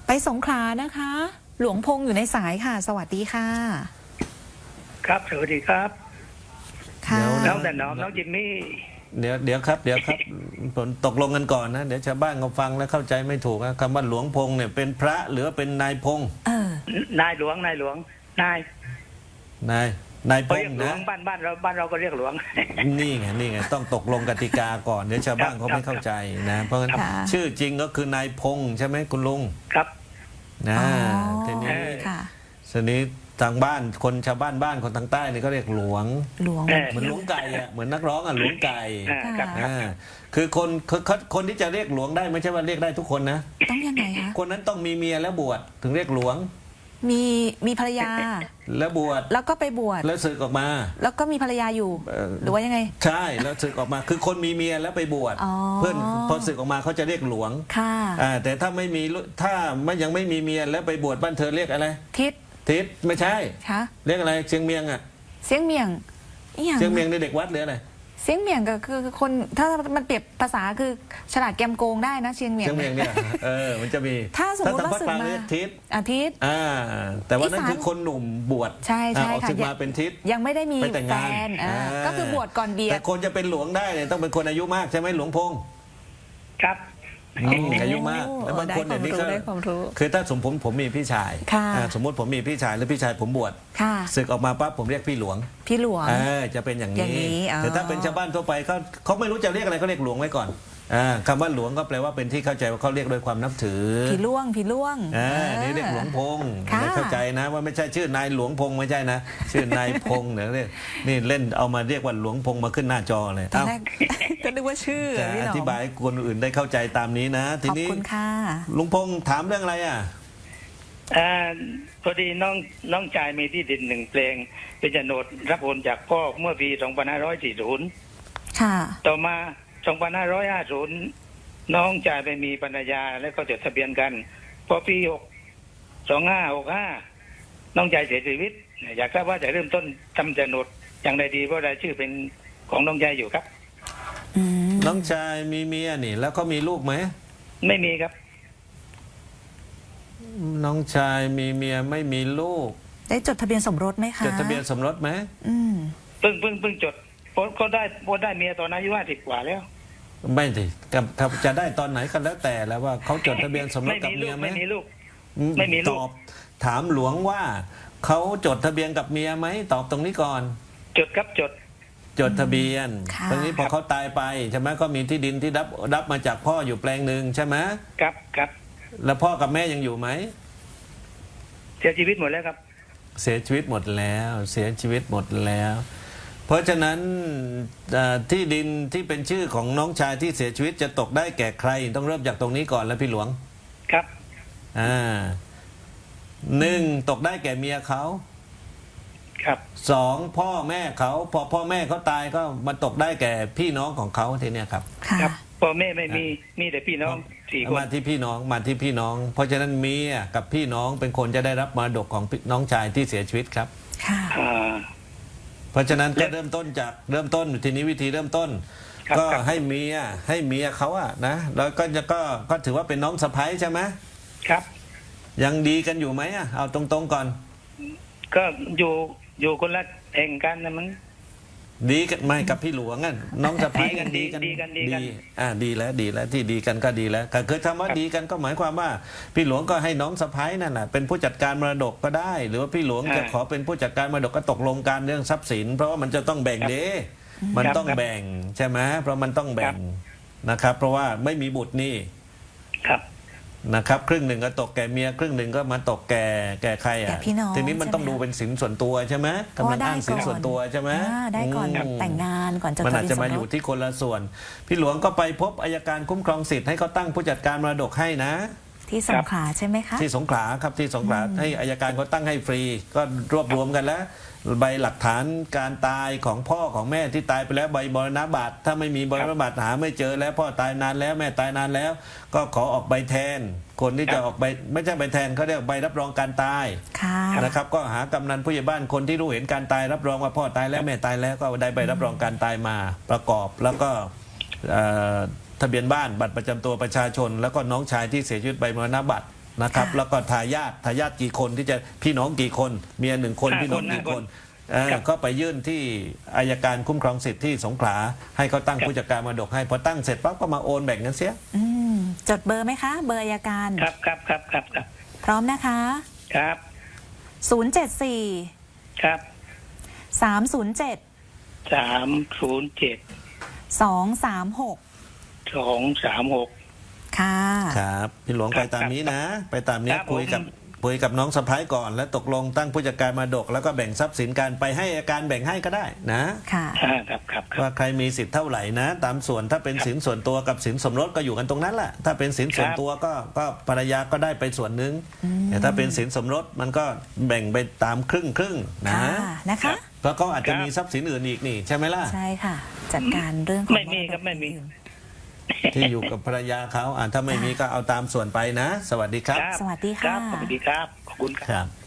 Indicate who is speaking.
Speaker 1: ไปสงขลานะคะ หลวงพงษ์อยู่ในสายค่ะ สวัสดีค่ะ
Speaker 2: ครับสวัสดีครับ
Speaker 1: ค่ะ
Speaker 2: น้องแต่น้องจิมมี่
Speaker 3: เดี๋ยวครับผมตกลงกันก่อนนะเดี๋ยวชาวบ้านเขาฟังแล้วเข้าใจไม่ถูกนะคำว่าหลวงพงเนี่ยเป็นพระหรือเป็นนายพง
Speaker 1: เออ
Speaker 2: นายหลวงนาย
Speaker 3: นายพ
Speaker 2: เรี
Speaker 3: ง
Speaker 2: ยกหลว
Speaker 3: นะ
Speaker 2: งบ้านเราก็เรียกหลวง
Speaker 3: นี่ไงต้องตกลงกติกาก่อนเดี๋ยวชาวบ้านเขาไม่เข้าใจนะเพราะงั้น
Speaker 1: ค่ะ
Speaker 3: ชื่อจริงก็คือนายพงใช่ไหมคุณลุง
Speaker 2: ครับ
Speaker 3: นะ
Speaker 1: อ๋อ
Speaker 3: ทีนี้
Speaker 1: ค่ะ
Speaker 3: ทีนี้ทางบ้านคนชาวบ้านคนทางใต้นี่เขาเรียกหลวง
Speaker 1: หลวง
Speaker 3: เหมือนหลวงไก่อะเหมือนนักร้องอะหลวงไก่
Speaker 2: ครับ
Speaker 3: อ่าคือคนที่จะเรียกหลวงได้ไม่ใช่ว่าเรียกได้ทุกคนนะ
Speaker 1: ต้องยังไงคะ
Speaker 3: คนนั้นต้องมีเมียแล้วบวชถึงเรียกหลวง
Speaker 1: มีภรรยา
Speaker 3: แล้วบวช
Speaker 1: แล้วก็ไปบวช
Speaker 3: แล้วศึกออกมา
Speaker 1: แล้วก็มีภรรยาอยู่ หรือว่ายังไง
Speaker 3: ใช่แล้วศึกออกมาคือคนมีเมียแล้วไปบวช
Speaker 1: อ๋อ
Speaker 3: เพื่อนพอศึกออกมาเขาจะเรียกหลวง
Speaker 1: ค่ะ
Speaker 3: แต่ถ้าไม่มีถ้ายังไม่มีเมียแล้วไปบวชบ้านเธอเรียกอะไร
Speaker 1: ทิศ
Speaker 3: ทิศไม่ใช่
Speaker 1: คะ
Speaker 3: เรียกอะไรเชียงเมียงอะ
Speaker 1: เสียงเมียงอีหยัง
Speaker 3: เชียงเมียงในเด็กวัดหรืออะไร
Speaker 1: เสียงเมียงก็คือคนถ้ามันเปรียบภาษาคือฉลาดแกมโกงได้นะเชียงเมียง
Speaker 3: เชียงเมียงเนี่ยมันจะมี
Speaker 1: ถ้าสมมุติ
Speaker 3: ทางภาคกลาง
Speaker 1: ว่าศึกมา
Speaker 3: เรียกทิศ
Speaker 1: อาทิตย์
Speaker 3: แต่ว่านั่น
Speaker 1: อีสาน
Speaker 3: คือคนหนุ่มบวช
Speaker 1: ใช่ใช่
Speaker 3: ออก
Speaker 1: ค่ะ
Speaker 3: ศึกมาเป็นทิศ
Speaker 1: ยังไม่ได้มี
Speaker 3: ไปแต่ง
Speaker 1: แฟ
Speaker 3: งาน
Speaker 1: นก็คือบวชก่อนเบีย
Speaker 3: แต่
Speaker 1: ด
Speaker 3: คนจะเป็นหลวงได้เนี่ยต้องเป็นคนอายุมากใช่ไหมหลวงพงษ์
Speaker 2: ครับ
Speaker 3: อายุมากแล้วบางคนเนี่ยนี่ก็
Speaker 1: ได้ความรู้
Speaker 3: คือถ้าสมมติผมมีพี่ชาย
Speaker 1: ค่ะ
Speaker 3: สมมติผมมีพี่ชายแล้วพี่ชายผมบวช
Speaker 1: ค่ะ
Speaker 3: ศึกออกมาปั๊บผมเรียกพี่หลวง
Speaker 1: พี่หลวง
Speaker 3: จะเป็นอย่าง
Speaker 1: อย่างนี้อ๋อ
Speaker 3: แต่ถ้าเป็นชาวบ้านทั่วไปเขาไม่รู้จะเรียกอะไรเขาเรียกหลวงไว้ก่อนคำว่าหลวงก็แปลว่าเป็นที่เข้าใจว่าเขาเรียกด้วยความนับถือ
Speaker 1: พี่ล่วง
Speaker 3: นี่เรียกหลวงพงษ์
Speaker 1: ค่ะ
Speaker 3: ไม่เข้าใจนะว่าไม่ใช่ชื่อนายหลวงพงษ์ไม่ใช่นะ ชื่อนายพงษ์เนี่ยนี่เล่นเอามาเรียกว่าหลวงพงษ์มาขึ้นหน้าจอเลย
Speaker 1: ตอนแรก ก็นึกว่าชื่อ
Speaker 3: จะ
Speaker 1: พี่ห
Speaker 3: อ
Speaker 1: น้อง
Speaker 3: ธิบายให้คนอื่นได้เข้าใจตามนี้นะ ที
Speaker 1: ขอบ
Speaker 3: นี้
Speaker 1: คุณค่ะ
Speaker 3: ลุงพงษ์ถามเรื่องอะไรอ่ะ
Speaker 2: พอดีน้องชายมีที่ดินหนึ่งแปลงเป็นโฉนดรับโอนจากพ่อเมื่อปี 2540
Speaker 1: ค่ะ
Speaker 2: ต่อมา 2550 น้องชายไปมีภรรยาแล้วก็จดทะเบียนกัน พอปี 2565 น้องชายเสียชีวิต อยากทราบว่าจะเริ่มต้นทำโฉนดอย่างไรดีเพราะรายชื่อเป็นของน้องชายอยู่ครับ
Speaker 1: อืม
Speaker 3: น้องชายมีเมียนี่ แล้วก็มีลูกไหม
Speaker 2: ไม่มีครับ
Speaker 3: น้องชายมีเมียไม่มีลูก
Speaker 1: ได้จดทะเบียนสมรสไหมคะ
Speaker 3: จดทะเบียนสมรสไหม
Speaker 1: อืม
Speaker 2: เพิ่งจดก็ได้เมียตอนอายุ50 กว่าแล้ว
Speaker 3: ไม่สิกับจะได้ตอนไหนก็แล้วแต่แล้วว่าเขาจดทะเบียนสมรส
Speaker 2: ไม่
Speaker 3: กับ
Speaker 2: มีลู
Speaker 3: เมีย
Speaker 2: ก
Speaker 3: ไหม
Speaker 2: ไม่มีลูก ไม่มีลูก
Speaker 3: ตอบถามหลวงว่าเขาจดทะเบียนกับเมียไหมตอบตรงนี้ก่อน
Speaker 2: จดครับจด
Speaker 3: จดทะเบียน
Speaker 1: ค่ะ
Speaker 3: ตรงนี้พอเขาตายไปใช่ไหมก็มีที่ดินที่รับมาจากพ่ออยู่แปลงหนึ่งใช่ไหม
Speaker 2: ครับ
Speaker 3: แล้วพ่อกับแม่ยังอยู่ไหม
Speaker 2: เสียชีวิตหมดแล้วครับ
Speaker 3: เสียชีวิตหมดแล้วเสียชีวิตหมดแล้ว เพราะฉะนั้นที่ดินที่เป็นชื่อของน้องชายที่เสียชีวิตจะตกได้แก่ใคร ต้องเริ่มจากตรงนี้ก่อนแล้วพี่หลวง
Speaker 2: ครับ
Speaker 3: หนึ่งตกได้แก่เมียเขา
Speaker 2: ครับ
Speaker 3: สองพ่อแม่เขาพอพ่อแม่เขาตายก็มาตกได้แก่พี่น้องของเขาทีเนี้ยครับ
Speaker 1: ค่ะ
Speaker 2: ครับพ่อแม่ไม่มีแต่พี่น้อง4 คน
Speaker 3: มาที่พี่น้องมาที่พี่น้อง เพราะฉะนั้นเมียกับพี่น้องเป็นคนจะได้รับมรดกของน้องชายที่เสียชีวิตครับ
Speaker 1: ค่ะ
Speaker 2: อ่า
Speaker 3: เพราะฉะนั้นก็เริ่มต้นจากเริ่มต้นทีนี้วิธีเริ่มต้น
Speaker 2: ครับ
Speaker 3: ก็
Speaker 2: ครับ
Speaker 3: ให้เมียเขาอะนะแล้วก็ถือว่าเป็นน้องสะใภ้ใช่ไหม
Speaker 2: ครับ
Speaker 3: ยังดีกันอยู่ไหมอะเอาตรงๆก่อน
Speaker 2: ก็อยู่คนละแห่งกันนะมัน
Speaker 3: ดีกันไม่กับพี่หลวงอะน้องสะใภ้กัน
Speaker 2: ดีกัน
Speaker 3: ดีแล้วที่ดีกันก็ดีแล้วก็คือคำว่าดีกันก็หมายความว่า พี่หลวงก็ให้น้องสะใภ้นั่นน่ะเป็นผู้จัดการมรดกก็ได้ หรือว่าพี่หลวงจะขอเป็นผู้จัดการมรดกก็ตกลงกันเรื่องทรัพย์สิน เพราะว่ามันจะต้องแบ่งเด้มันต้องแบ่งใช่ไหมเพราะมันต้องแบ่งนะครับ เพราะว่าไม่มีบุตรนี่
Speaker 2: ครับ
Speaker 3: นะครับครึ่งหนึ่งก็ตกแก่เมียครึ่งหนึ่งก็มาตกแก่ใคร
Speaker 1: แก่
Speaker 3: อ่ะ
Speaker 1: พี่น้อง
Speaker 3: ทีนี้มันต้อง
Speaker 1: ใช่ไหม
Speaker 3: ดูเป็นสินส่วนตัวใช่ไหมกำลังอ้างสินส่วนตัวใช่ไหม
Speaker 1: ได้ก่อน แต่งงานก่อนจด
Speaker 3: มัน
Speaker 1: ทะ
Speaker 3: อาจ
Speaker 1: เบียน
Speaker 3: จะ
Speaker 1: สม
Speaker 3: มาร อยู่
Speaker 1: ส
Speaker 3: ที่คนละส่วน พี่หลวงก็ไปพบอัยการคุ้มครองสิทธิ์ให้เขาตั้งผู้จัดการมรดกให้นะ
Speaker 1: ที่สงขลาใช่ไหมคะ
Speaker 3: ที่สงขลาครับที่สงขลาให้อัยการเขาตั้งให้ฟรี ก็รวบรวมกันแล้ว ใบหลักฐานการตายของพ่อของแม่ที่ตายไปแล้วใบมรณบัตรถ้าไม่มีใบมรณบัตรหาไม่เจอแล้วพ่อตายนานแล้วแม่ตายนานแล้ว ก็ขอออกใบแทน คนที่จะออกใบไม่ใช่ใบแทนเขาเรียกใบรับรองการตาย
Speaker 1: ค่ะ
Speaker 3: นะครับก็หากำนันผู้ใหญ่บ้านคนที่รู้เห็นการตายรับรองว่าพ่อตายแล้วแม่ตายแล้วก็ได้ใบรับรองการตายมาประกอบแล้วก็ทะเบียนบ้านบัตรประจำตัวประชาชน แล้วก็น้องชายที่เสียชีวิตใบมรณบัตรนะครับ
Speaker 1: ค่ะ
Speaker 3: แล้วก็ทายาทกี่คนที่จะพี่น้องกี่คนเมีย1 คน
Speaker 2: 5
Speaker 3: พี่น้อง
Speaker 2: คน
Speaker 3: กี่คน
Speaker 2: ครับ
Speaker 3: ก็ไปยื่นที่อัยการคุ้มครองสิทธิ์ที่สงขลาให้เขาตั้ง
Speaker 2: ครับ
Speaker 3: ผู้จัดการมรดกให้พอตั้งเสร็จปั๊บก็มาโอนแบ่งกันเสีย
Speaker 1: อืมจดเบอร์ไหมคะ เบอร์อัยการ
Speaker 2: ครับครับครับครับครับ
Speaker 1: พร้อมนะคะ
Speaker 2: ครับ
Speaker 1: 074
Speaker 2: ครับ
Speaker 1: 307
Speaker 2: 307
Speaker 1: 236
Speaker 2: 236
Speaker 1: ค่ะ
Speaker 3: ครับพี่หลวง
Speaker 2: ค
Speaker 3: ไป
Speaker 2: รับ
Speaker 3: ตามนี้นะ ไปตามนี้
Speaker 2: ครับ
Speaker 3: คุยกับ
Speaker 2: ผม
Speaker 3: คุยกับน้องสะพ้ายก่อน แล้วตกลงตั้งผู้จัดการมรดกแล้วก็แบ่งทรัพย์สินกันไปให้อัยการแบ่งให้ก็ได้นะ
Speaker 1: ค่ะ
Speaker 2: ครับครับครับ
Speaker 3: ว่าใครมีสิทธิ์เท่าไหร่นะ ตามส่วนถ้าเป็นสินส่วนตัวกับสินสมรสก็อยู่กันตรงนั้นแหละถ้าเป็นสินส่วนตัวก็ภรรยาก็ได้ไปส่วนหนึ่งแต่ถ้าเป็นสินสมรสมันก็แบ่งไปตามครึ่งนะ
Speaker 1: ค่ะนะคะ
Speaker 3: เพราะเขาอาจจะ
Speaker 2: ครับ
Speaker 3: มีทรัพย์สินอื่นอีกนี่ใช่ไหมล่ะ
Speaker 1: ใช่ค่ะ จัดการเรื่องของ
Speaker 2: ไม่มีครับไม่มี
Speaker 3: ที่อยู่กับภรรยาเขาถ้าไม่มีก็เอาตามส่วนไปนะ สวัสดีครับ
Speaker 2: ครับ
Speaker 1: สวัสดี
Speaker 2: ครั
Speaker 1: ค่ะ
Speaker 2: บสวัสดีครับ ขอบคุณครับ
Speaker 3: ครับ